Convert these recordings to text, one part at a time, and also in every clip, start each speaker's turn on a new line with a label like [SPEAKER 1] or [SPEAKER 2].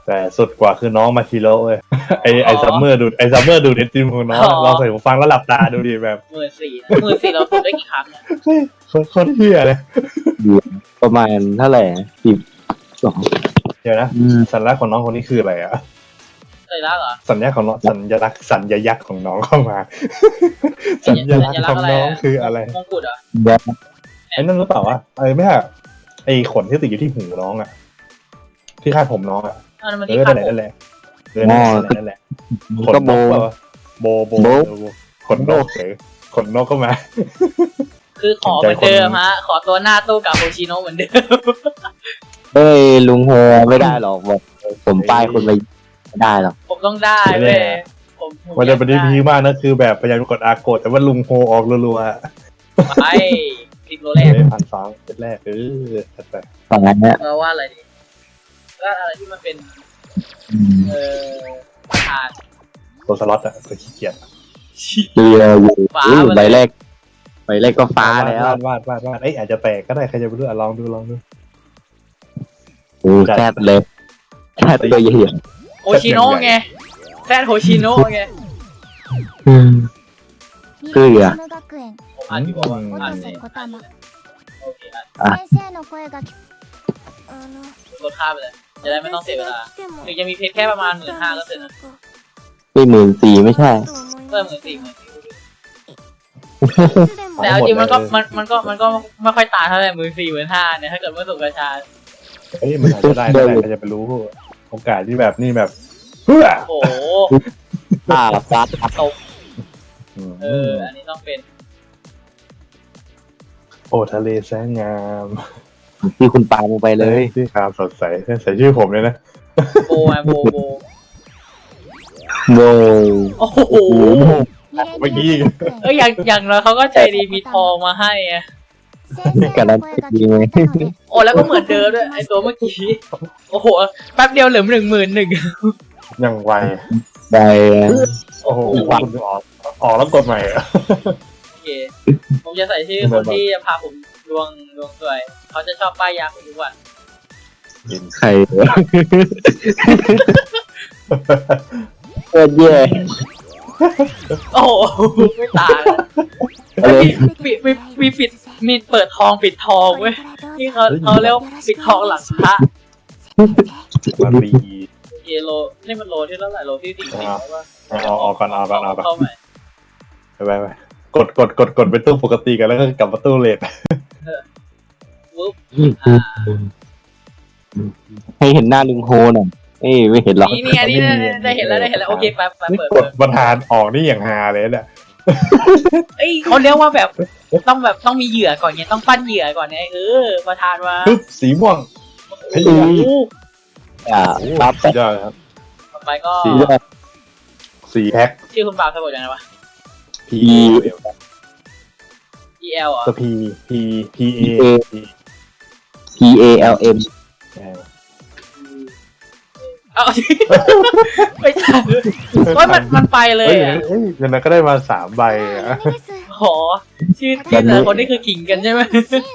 [SPEAKER 1] แต่สุดกว่าคือน้องมาทีโร่เว้ยไอซัมเมอร์ดูไอซัมเมอร์ดูเน็ตจิมของน้องลองใส่หูฟังแล้วหลับตาดูดิแบบ
[SPEAKER 2] 14,000เราฝึกได้กี่ครั้งเนี่ย
[SPEAKER 1] เฮ้ยโคตรเฮียเลย
[SPEAKER 3] ประมาณเท่าไหร่12
[SPEAKER 1] เดี๋ยวนะสัญลักษณ์ของน้องคนนี้คืออะไรอ่ะ
[SPEAKER 2] สัญลักษณ์เหรอ
[SPEAKER 1] สัญลักษณ์ของน้องสัญลักษณ์ของน้องเข้ามาสัญลักษณ์ของน้องคืออะไร
[SPEAKER 2] มงกุฎเหรอ
[SPEAKER 1] ไอ้นั่นหรือเปล่าวะไม่ใช่ไอ้ขนที่ติดอยู่ที่หูน้องอ่ะที่คาดผมน้องอ่ะ
[SPEAKER 2] มันที่คาดผม
[SPEAKER 1] นั่นแหละนั่นแหละขน
[SPEAKER 3] ก็
[SPEAKER 1] น
[SPEAKER 3] โบ
[SPEAKER 1] กโบขนนกหรือขนนกก็มา
[SPEAKER 2] คือขอเหมือนเดิมฮะขอตัวหน้าตู้กับโฮชิโนะเหมือนเดิม
[SPEAKER 3] เฮ้ยลุงโฮไม่ได้หรอกบอกผมป้ายคนไปไม่ได้หรอก
[SPEAKER 2] ผมต้องได้เว้ยผม
[SPEAKER 1] มันจะเป็นที่พีมากนะคือแบบพยายามกดอาร์โกดแต่ว่าลุงโฮออกรัวๆ
[SPEAKER 2] ไป10 โลแรก
[SPEAKER 1] 1,200เป็นแรกแต่
[SPEAKER 3] ฝั่งนั้นเนี่ย
[SPEAKER 2] เราว่าอะไรดีก็อะไรที่มันเป็นประธาน
[SPEAKER 1] ตัวสล็อตอะตัวขี้เกียจ
[SPEAKER 3] เรืออยู่
[SPEAKER 2] ฟ้า
[SPEAKER 3] ใบแรกก็ฟ้าแล้ว
[SPEAKER 1] วาดเอ้ยอาจจะแตกก็ได้ใครจะไปรู้ลองดู
[SPEAKER 3] แซดเลยแซดตัวใหญ่
[SPEAKER 2] โฮชิโนะไงแซดโฮชิโนะไง
[SPEAKER 3] เกลือ
[SPEAKER 2] ผมอ่านที่บอกว่าอ่านเลยโอเคอ่านลดค่าไปเลยจะได้ไม่ต้องเสียเวลาหรือจะมีเพชรแค่ประมาณ15,000ก็เสร็จนะ
[SPEAKER 3] ไม่14,000ไม่ใช่
[SPEAKER 2] เพิ่ม14,000แต่เอาจริงมันก็ไม่ค่อยต่างเท่าไหร่14,500เนี่ยถ้าเกิดไม่สุกกระชา
[SPEAKER 1] เอ้ยมันอาจจะได้ใครจะไปรู้โอกาสที่แบบนี่แบบเพื่อ
[SPEAKER 2] โอ้โห
[SPEAKER 3] ฟ้า
[SPEAKER 2] ตกอันนี้ต้องเป็น
[SPEAKER 1] โอ้ทะเลแสนงาม
[SPEAKER 3] ที่คุณปาลงไปเลย
[SPEAKER 1] ที่ขาวสดใสใส่ชื่อผมเลยนะ
[SPEAKER 2] โบโบ
[SPEAKER 3] โบ
[SPEAKER 2] โอ้โห
[SPEAKER 1] เมื่อกี้
[SPEAKER 2] อย่างน้อยเขาก็ใจดีมีทองมาให้ไง
[SPEAKER 3] การันตีไหม
[SPEAKER 2] โอ้แล้วก็เหมือนเดิมด้วยไอตัวเมื่อกี้โอ้โหแป๊บเดียวเหลือ11,000
[SPEAKER 1] ยังไว
[SPEAKER 3] ไป
[SPEAKER 1] โอ้โหคุณออกแล้วกดใหม่อะ
[SPEAKER 2] โอเคผมจะใส่ชื่อคนที่จะพาผมดวงสวยเขาจะชอบป้ายยาผมทุกวัน
[SPEAKER 3] ใครโคตรแย่
[SPEAKER 2] โอ้โหไม่ตายมีเปิดทองปิดทองเว้ยที่เขาเรียกปิดทองหลังพระ
[SPEAKER 1] มารี
[SPEAKER 2] เอโลนี่มันโลที่เท่าไหร่โลที่40ว่า
[SPEAKER 1] เอาก่อน
[SPEAKER 2] เข้าใหม่
[SPEAKER 1] ไปกดไปตู้ปกติกันแล้วก็กลับมาตู้เลท
[SPEAKER 2] ปุ๊บ
[SPEAKER 3] ให้เห็นหน้าลุงโฮหน่อยไม่เห็นหรอก
[SPEAKER 2] นี่อันนี้ได้เห็นแล้วโอเคไป
[SPEAKER 1] นี่
[SPEAKER 2] เปิด
[SPEAKER 1] กดประธานออกนี่อย่างฮาเลยเนี่ย
[SPEAKER 2] เอ้ยเขาเรียกว่าแบบต้องมีเหยื่อก่อนไงต้องปั้นเหยื่อก่อนไงประธานว่า
[SPEAKER 1] ปึ๊บสีม่วง
[SPEAKER 2] โอ้โห
[SPEAKER 3] ปั๊บ
[SPEAKER 1] สุดยอดครับ
[SPEAKER 2] ต่อไปก็
[SPEAKER 1] สีแพ็ค
[SPEAKER 2] ชื่อคุณบ่าวสะกดยังไงวะ
[SPEAKER 1] P
[SPEAKER 2] EL อ่ะ
[SPEAKER 1] ตัว P A
[SPEAKER 3] PALM
[SPEAKER 2] เอาไม่ใช่ว่ามันไปเลยอ่ะ
[SPEAKER 1] เฮ้ยอย่างนั้นก็ได้มา3 ใบอ่ะ
[SPEAKER 2] โหชื่อที่แต่ละคนนี่คือขิงกันใช่ไหม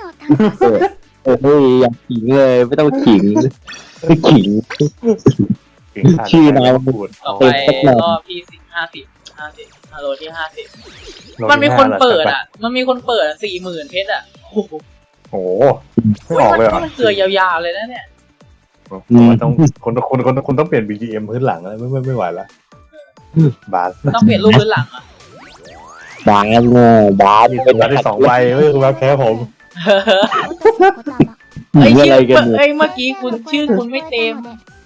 [SPEAKER 3] อยากขิงเลยไม่ต้องขิงไม่ขิง ชื่อนาย
[SPEAKER 1] พูด
[SPEAKER 2] ต่อไปรอบที่50ฮัลโหลที่50มันมีคนเปิดอ่ะ40,000เพชรอ่ะโอ้โห
[SPEAKER 1] โอ้ไม่ออกเลยเหรอ
[SPEAKER 2] มันเกลือยาวๆเลยนะเนี่ย
[SPEAKER 1] มันต้องคนต้องเปลี่ยน BGM พื้นหลังแล้วไม่ไหวแล้วบาส
[SPEAKER 2] ต้องเปลี่ยนรูปพื้นหลังอ่ะ
[SPEAKER 3] บาสบาส
[SPEAKER 1] เป็นบาสได้2 ใบไม่คือแบบแพ้ผม
[SPEAKER 2] เอ้ย
[SPEAKER 3] อะไรกัน
[SPEAKER 2] เอ้ยเมื่อกี้คุณชื่อคุณไม่เต็ม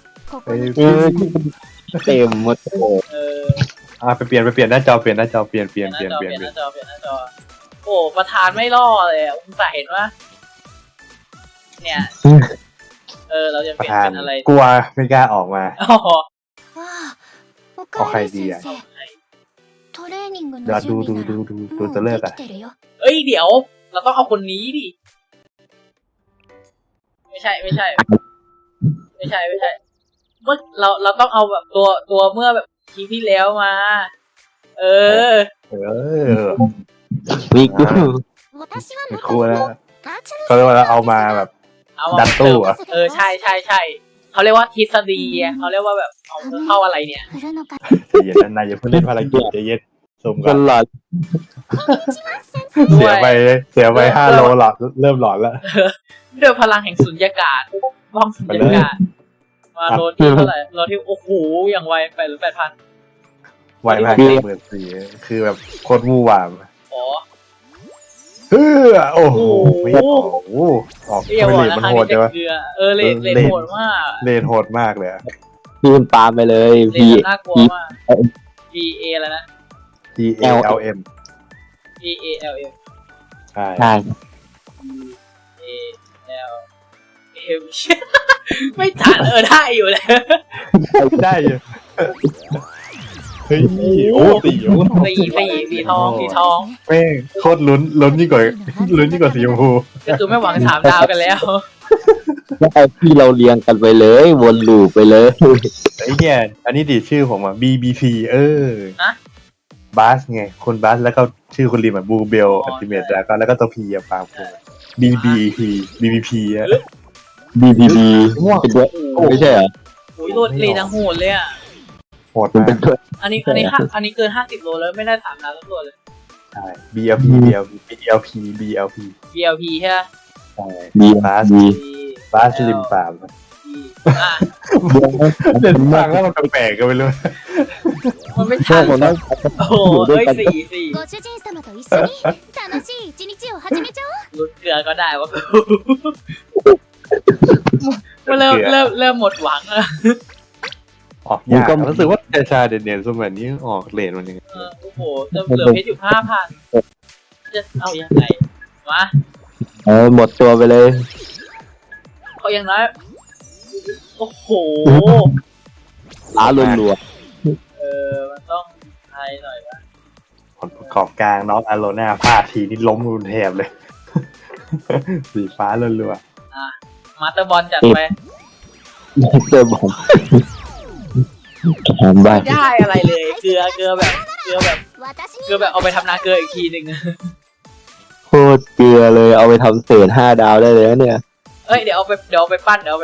[SPEAKER 3] เต็มหมด
[SPEAKER 1] ไปเปลี่ยนหน้าจอเปลี่ยนหน้าจอ
[SPEAKER 2] หน้าจอโอ้ประธานไม่ล่อเลยอุตส่าห์เห็นว่าเนี่ยเราจะ
[SPEAKER 1] ป
[SPEAKER 2] เประ ลี่ยน
[SPEAKER 1] ธาน
[SPEAKER 2] เป็นอะไร
[SPEAKER 1] กลัวไม่กล้าออกมา
[SPEAKER 2] อ๋อ
[SPEAKER 1] เอาใครดีอ่ะเดี๋ยวดูจะเลิกอ่ะ
[SPEAKER 2] เอ้ยเดี๋ยวเราต้องเอาคนนี้ดิไม่ใช่เมื่อเราต้องเอาแบบตัวเมื่อแบบคลิปที่แล้วมา
[SPEAKER 3] วิกู
[SPEAKER 1] ไม่กลัวแล้วเขาเรียกว่าเอามาแบบดันตู้อ่ะ
[SPEAKER 2] ใช่เขาเรียกว่าทฤษฎีเขาเรียกว่าแบบเอาเข้าอะไรเนี่ย
[SPEAKER 1] ใจเย็นนะนายอย่าเพิ่งเล่นภารกิจใจเย็นสมกั
[SPEAKER 3] กัน นหลอด
[SPEAKER 1] เสียไป5 โลหลอดเริ่มหลอนแล้ว
[SPEAKER 2] ด้วยพลังแห่งสุญญากาศบ้องสุญญากาศมาโลที่เท่าไหร่โลที่โอ้โหอย่างไวไปหรือ8,000
[SPEAKER 1] ไวมาก14,000คือแบบโคตรวู่วาม
[SPEAKER 2] อ๋อ
[SPEAKER 1] โอ้โหไม่ออกออก
[SPEAKER 2] อย่าบอก
[SPEAKER 1] เลน
[SPEAKER 2] นะ
[SPEAKER 1] มัน
[SPEAKER 2] ครั้ง
[SPEAKER 1] โหด
[SPEAKER 2] นี้
[SPEAKER 1] ใช่
[SPEAKER 2] จะ
[SPEAKER 1] ปะ
[SPEAKER 2] เกลือเลนโหดมาก
[SPEAKER 1] เลนโหดมากเลย
[SPEAKER 3] พี่มันปาไปเลย
[SPEAKER 2] เล
[SPEAKER 3] พี่
[SPEAKER 2] นน่ากลัวมาก B A แล้วนะ
[SPEAKER 1] T A L M
[SPEAKER 2] B A L M
[SPEAKER 1] ใช่
[SPEAKER 3] ใช่
[SPEAKER 2] A L M ไม่ทันได้อยู่เลย
[SPEAKER 1] ได้อยู่เฮ้ยโอ้ตีโอ้
[SPEAKER 2] สีทอง
[SPEAKER 1] แม่งโคตรลุ้นยิ่งกว่าสีชมพู
[SPEAKER 2] ก็คือไม่หวัง3 ดาวกันแล้ว
[SPEAKER 3] แล้วเอาที่เราเรียงกันไปเลยวนลูปไปเลย
[SPEAKER 1] ไอ้เนี่ยอันนี้ดิชื่อผมอ่ะ BBC
[SPEAKER 2] ฮะ
[SPEAKER 1] บาสไงคุณบาสแล้วก็ชื่อคุณริมอ่ะบูเบลอัลติเมทแล้วก็ตัวพีอ่ะปาล์มคุณ BBP อ่ะ
[SPEAKER 3] BBB
[SPEAKER 1] ม่วง
[SPEAKER 3] เป็นด้วยไม่ใช่เหรอ
[SPEAKER 2] โอ้ยโลดเลนทั้งโหดเลยอ่ะ
[SPEAKER 1] โหด
[SPEAKER 3] มัน
[SPEAKER 1] มา
[SPEAKER 3] เป็น
[SPEAKER 1] ก
[SPEAKER 3] ด้วย
[SPEAKER 2] อันนี้เกิน50 โลแล้วไม่ได้3 ดาวทั้งตัวเลย
[SPEAKER 1] ใช่ BLP BLP
[SPEAKER 2] BLP ใช่ไหม
[SPEAKER 1] ใช่
[SPEAKER 3] ดี
[SPEAKER 1] บาส
[SPEAKER 3] ดี
[SPEAKER 1] บาสริมปาล์ม
[SPEAKER 2] อ่ะ
[SPEAKER 1] เด่นฟังแล้วมันแปลกๆก็ไม่รู้
[SPEAKER 2] มันไม่
[SPEAKER 3] ชอ
[SPEAKER 2] ทั
[SPEAKER 3] บ
[SPEAKER 2] น
[SPEAKER 3] คนนั้น
[SPEAKER 2] โอ้โหเฮ้ย4
[SPEAKER 4] ご主人様と一緒に楽しい一日を始めちゃおう。
[SPEAKER 2] ลุ้นเกลือก็ได้วะเริ่มหมดหวังแล้ว
[SPEAKER 1] ออกยากรู้สึกว่าชาเด่นๆสมัยนี้ออกเลนมันยังไง
[SPEAKER 2] โอ้โหเหลือเพชรอยู่ 5,000 จะเอายังไงวะ
[SPEAKER 3] หมดตัวไปเลย
[SPEAKER 2] เขายังน้อยโอ้โห
[SPEAKER 3] ล้ารัว
[SPEAKER 2] มันต้องไทยหน่อยวะ
[SPEAKER 1] ผลประกอบกลางน้องอโลนาพลาดทีนี่ล้มรุนแทบเลย สีฟ้ารัว
[SPEAKER 2] มาสเตอร์บอลจัดไป
[SPEAKER 3] ๆเจอบอลแขนใบ
[SPEAKER 2] ไม่ได้อะไรเลย เกลือแบบ
[SPEAKER 4] 私に
[SPEAKER 2] เอาไปทำนาเกลืออีกทีหนึ่ง
[SPEAKER 3] โคตรเกลือเลยเอาไปทำเศษ5 ดาวได้เลยนะเนี่ย
[SPEAKER 2] เอ้ยเดี๋ยวเอาไปปั้น
[SPEAKER 3] เก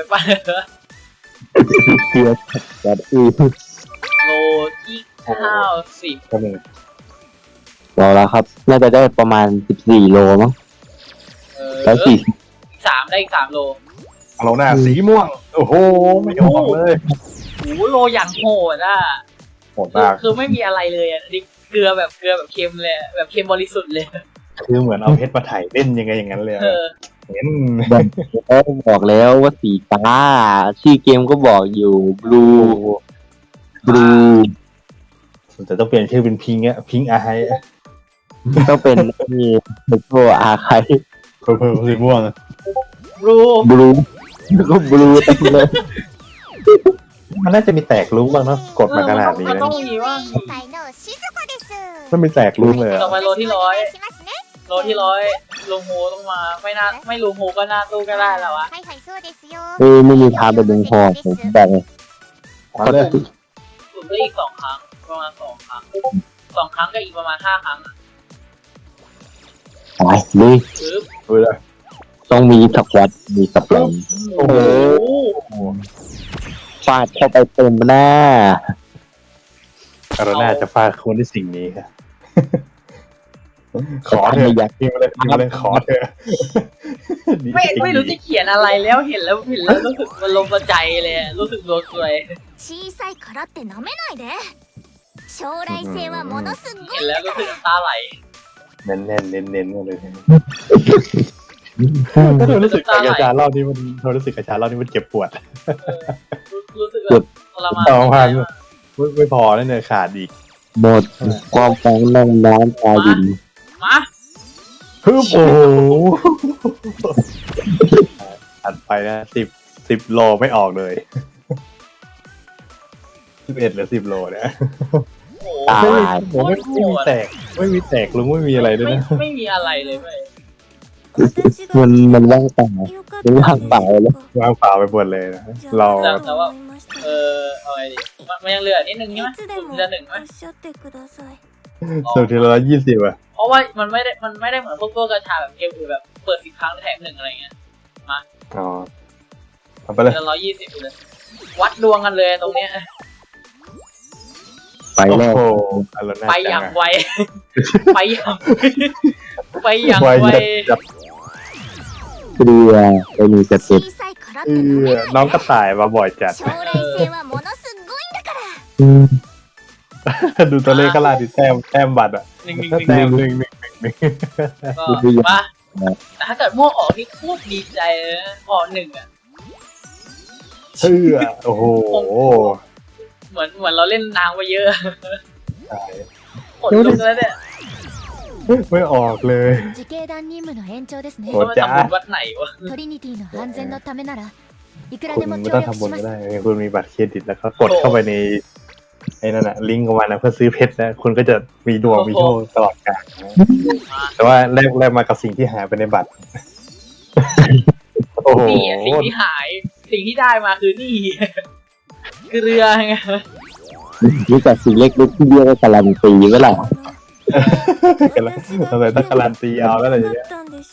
[SPEAKER 3] ลือจัดอีก
[SPEAKER 2] โลที่90
[SPEAKER 1] ๆก็มี
[SPEAKER 3] บอกแล้วครับ น่าจะได้ประมาณ14 โลมั้งแล้ว
[SPEAKER 2] อีก3ได้อีก3 โล
[SPEAKER 1] อโลนาสีม่วง โอ้โห ไม่ออกเลย
[SPEAKER 2] โอ้โหโลอย่างโหดอ่ะ
[SPEAKER 1] โหดมาก
[SPEAKER 2] คือไม่มีอะไรเลยอ่ะนี่เกลือแบบเค็มเลยแบบเค็มบริสุทธิ์เลย
[SPEAKER 1] คือเหมือนเอาเพชรมาถ่ายเล่นยังไงอย่างนั้นเลย เห็น
[SPEAKER 3] บอกแล้วว่าสีฟ้าชื่อเกมก็บอกอยู่บลู
[SPEAKER 1] แต่ต้องเปลี่ยนชื่อเป็นพิงค์พิงค์อาไฮ
[SPEAKER 3] ต้องเป็นนี่เป็นโกอาใคร
[SPEAKER 1] เพิ่มสีม่วง
[SPEAKER 2] บลู
[SPEAKER 3] บลูก็บลูเต็มเลย
[SPEAKER 1] มันน่าจะมีแตกลุ้งบ้างเนาะกดมาขนาดนี้
[SPEAKER 2] มัน
[SPEAKER 1] นะ
[SPEAKER 2] ต้องมีว่า
[SPEAKER 4] 委員会の静子です
[SPEAKER 1] มันมีแตกลุ้งเลย
[SPEAKER 2] ต่อไปโลที่
[SPEAKER 4] お
[SPEAKER 2] 100
[SPEAKER 4] 願いしますね
[SPEAKER 2] โลที่100ลุงโฮต้องมาไม่ลุงโฮก็น่าตู้ก็ได้แล้ววะ
[SPEAKER 4] はいはいそうですよ
[SPEAKER 3] ไม่มีทางเป็นดึงพอผมบอกเลย
[SPEAKER 1] มาเลย
[SPEAKER 2] สุ่มได้อีก2 ครั้งประมาณ2 ครั้ง2 ครั้งก็อีกประมาณ5 ครั้งอ่ะ
[SPEAKER 3] ไปเลย
[SPEAKER 2] ปึ๊บ
[SPEAKER 1] ดูเลย
[SPEAKER 3] ต้องมีสควอตมีสปริง
[SPEAKER 2] โอ้โห
[SPEAKER 3] ฟาดเข้าไปเต็มหน้า
[SPEAKER 1] อโลนาจะฟาดคนที่สิ่งนี้ครับ ขอเถ
[SPEAKER 3] ไม่
[SPEAKER 1] อะ
[SPEAKER 3] อยาก
[SPEAKER 1] พิมพ์เลยขอเถอะ
[SPEAKER 2] ไม่รู้จะเขียนอะไรแล้วเห็นแล้วรู้สึกมันลงใจเลยรู้สึกโดนซวย
[SPEAKER 4] 小さいからって舐めないで将来性はものすご
[SPEAKER 2] เห็
[SPEAKER 4] い
[SPEAKER 2] นแล้วรู้สึกน้ำตาไหล
[SPEAKER 1] เน้นเลยถ้าเธอรู้สึกกระชารอบนี้มันเจ็บปวด
[SPEAKER 2] รู้สึกแบบทรมาน
[SPEAKER 1] ต่อมาไม่พอแล้วเนี่ยขาดอีก
[SPEAKER 3] หมดความฟังนั่งน้ำตาดิน
[SPEAKER 2] มา
[SPEAKER 1] ฮึบโอ้โหอัดไปนะ10 โลไม่ออกเลย 11 หรือ 10 โลเนี่ย
[SPEAKER 2] โอ้
[SPEAKER 3] ตาย
[SPEAKER 1] ผมไม่มีแตกลุงไม่มีอะไรเลยนะ
[SPEAKER 2] ไม่มีอะไรเลยเว้ย
[SPEAKER 3] มันว่างเปล่ามันว่างเปล่าแล้ว
[SPEAKER 1] วางเปล่าไปหมดเลยนะเรา
[SPEAKER 2] แต่ว่าเอาไงดีมันยังเหลือนิดนึงใช่ไหมเหลือ1ไหม
[SPEAKER 1] สุดที่120อ่ะ
[SPEAKER 2] เพราะว่ามันไม่ได้เหมือนพวกตัวกระชาแบบเกมอื่นแบบเปิด10 ครั้งแถม1อะไรเงี้ย
[SPEAKER 1] อ๋อทำไปเลย
[SPEAKER 2] เหลือ120เลยวัดดวงกันเลยตรงเนี้ย
[SPEAKER 3] ไป
[SPEAKER 1] โอ้
[SPEAKER 3] แล้ว
[SPEAKER 1] โหอารมณ์น่า
[SPEAKER 2] ไปอ
[SPEAKER 1] จั
[SPEAKER 2] ย่าง ง
[SPEAKER 1] อะ
[SPEAKER 2] ไว ไปอย่างไปอย่าง
[SPEAKER 1] ไว
[SPEAKER 2] ไว
[SPEAKER 1] จัด
[SPEAKER 3] เรือไปมีส
[SPEAKER 4] 小
[SPEAKER 3] เต็ป
[SPEAKER 4] さいからって舐めない
[SPEAKER 1] น้องกระต่ายมาบ่อยจัด
[SPEAKER 4] 将来性はものすごいんだから
[SPEAKER 1] ดูตัวเลขก็ลาดิแต้มบัตรอะ
[SPEAKER 2] หนึ่ง
[SPEAKER 1] แต้มหนึ่ง
[SPEAKER 2] ก็มาแต่ถ้าเกิดม่วงออกนี่โคตรดีใจเลยนะออกหนึ่งอ่ะ
[SPEAKER 1] เชื่อโอ้โห
[SPEAKER 2] เหมือนเราเล่นนางไปเยอะ
[SPEAKER 1] ใช่
[SPEAKER 2] กดลุกแล้วเนี่ย
[SPEAKER 1] ไม่ออกเลย
[SPEAKER 4] 自警団任務の延長ですね
[SPEAKER 1] โอ้
[SPEAKER 2] ว่ามันทำบุญวัดไหนวะ
[SPEAKER 4] トリニティの安全のためならいくら
[SPEAKER 1] คุณ
[SPEAKER 4] でも
[SPEAKER 1] ไม่
[SPEAKER 4] 協
[SPEAKER 1] ต้อง
[SPEAKER 4] 力
[SPEAKER 1] ทำบุ
[SPEAKER 4] し
[SPEAKER 1] ญ
[SPEAKER 4] ま
[SPEAKER 1] ก็
[SPEAKER 4] す
[SPEAKER 1] ได้คุณมีบัตรเครดิตแล้วก็กดเข้าไปในไอ้นั่นน่ะลิงก์ของมันนะเพื่อซื้อเพชรนะคุณก็จะมีดวงมีโชคตลอดกาลนะแต่ว่าแลกมากับสิ่งที่หายไปในบัตร โอ้โห
[SPEAKER 2] นี่อะสิ่งที่หาย สิ่งที่ได้มาคือนี่ คือเรือไง
[SPEAKER 3] รู้จักสิ่งเล็กๆที่เรียกว่าการันตีไว้ล่ะ
[SPEAKER 1] กันแล้วทำไมต้องการันตีเอาแล้วอะไรอย่างเงี้ย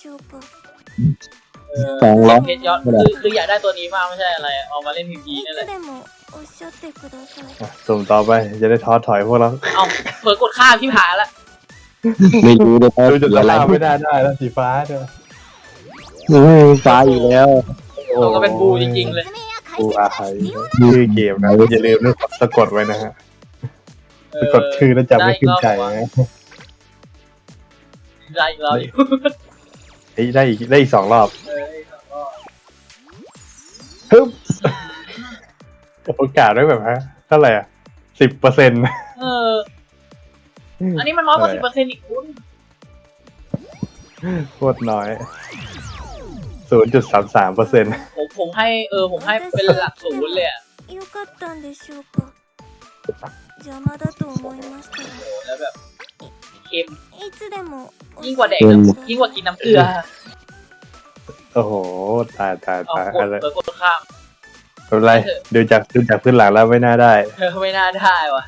[SPEAKER 3] 200
[SPEAKER 2] เพชรยอดคืออยากได้ตัวนี้มากไม่ใช่อะไรเอามาเล่นพีพีนี่แหละ
[SPEAKER 4] でもおっしゃってください
[SPEAKER 1] อ่ะสุ่มต่อไปจะได้ท้อถอยพวกเรา
[SPEAKER 2] เอาเผลอกดข้ามที่ผ่านละ
[SPEAKER 3] ไม่รู้เลยว่า
[SPEAKER 1] ดูจุด
[SPEAKER 3] สีอะไร
[SPEAKER 1] ล่าไม่ได้แล้วสีฟ้าด้วย
[SPEAKER 3] ฟ้าอยู่แล้ว
[SPEAKER 2] ตัวก็เป็นบูจริงๆเลย
[SPEAKER 1] กูอาไฮชื่อเกมนะอย่าลืมนะสะกดไว้นะฮะสะกดชื่อแล้วจำไม่ขึ้นใจนะ
[SPEAKER 2] ได้อีกรอบอยู่
[SPEAKER 1] เฮ้ยได้อีก2 รอบ
[SPEAKER 2] เออ
[SPEAKER 1] ฮึบโอกาสได้แบบฮะเท่าไหร่อ่ะ10%
[SPEAKER 2] เออ อันนี้มันน้อยกว่า10%อีกคุณ
[SPEAKER 1] โคตรน้อย 0.33%
[SPEAKER 2] ผมให้ผมให้เป็นหลักศูนย์เลยอะ
[SPEAKER 4] よかったんでしょうか邪魔だと思いました
[SPEAKER 2] โอ้แล้วแบบเค็ม
[SPEAKER 4] いつでも
[SPEAKER 2] ยิ่งกว่าแดกยิ่งกว่ากินน้ำเกลือ
[SPEAKER 1] โอ้โหตาย
[SPEAKER 2] เอากด
[SPEAKER 1] อะไร
[SPEAKER 2] กดข้าม
[SPEAKER 1] ไม่เป็นไรดูจากพื้นหลังแล้วไม่น่าได้
[SPEAKER 2] ไม่น่าได้ว่ะ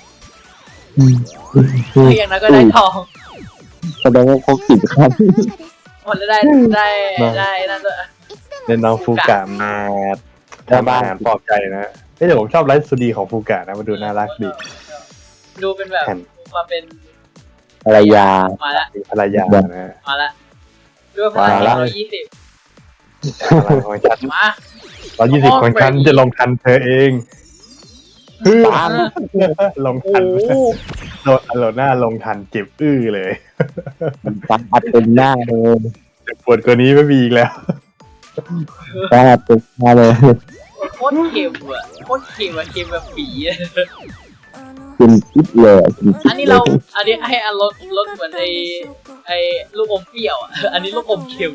[SPEAKER 2] อย่างนั้นก็ได้ทอง
[SPEAKER 3] แสดงว่าเขากินข้าว
[SPEAKER 2] มันจะได้นั่นด้วย
[SPEAKER 1] เล่นน้องฟูกะมาทำอาหารปลอบใจนะแต่ผมชอบไลฟ์สตูดีของฟูกะนะมันดูน่ารักดี
[SPEAKER 2] ดูเป็นแบบมาเป็น
[SPEAKER 3] ภรรยา
[SPEAKER 2] มาละ
[SPEAKER 1] มีภรรยานะ
[SPEAKER 2] มาละด้วยพลัง120
[SPEAKER 1] พลังของฉัน
[SPEAKER 2] มา
[SPEAKER 1] 120ของฉันจะลงทันเธอเองปังลง
[SPEAKER 2] โอ้
[SPEAKER 1] ทัน
[SPEAKER 2] โห
[SPEAKER 1] โดนอโลน่าลงทันเจ็บเลย
[SPEAKER 3] ฟ้าอัดเต็มหน้าเลย
[SPEAKER 1] ปวดกว่านี้ไม่มีอีกแล้ว
[SPEAKER 3] ฟ้าอัดเต็มหน้าเลย
[SPEAKER 2] โคตรเค็มอ่ะโคตรเค็มอ่ะเค็มแบบผีอ่ะ
[SPEAKER 3] กินคิดเลยกินคิ
[SPEAKER 2] อั
[SPEAKER 3] ด
[SPEAKER 2] นนี้
[SPEAKER 3] เล
[SPEAKER 2] เรา
[SPEAKER 3] ย
[SPEAKER 2] อันนี้ให้อารรสเหมือนไอ้ลูกอมเปรี้ยวอ่ะอันนี้ลูกอมเค็ม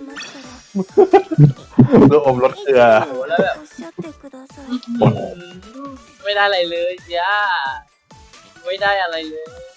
[SPEAKER 1] ลูกอมรสเกลือ
[SPEAKER 2] โอ้โหแล้วแบบ
[SPEAKER 4] おっしゃってください
[SPEAKER 2] ไม่ได้อะไรเลยจ้าไม่ได้อะไรเลย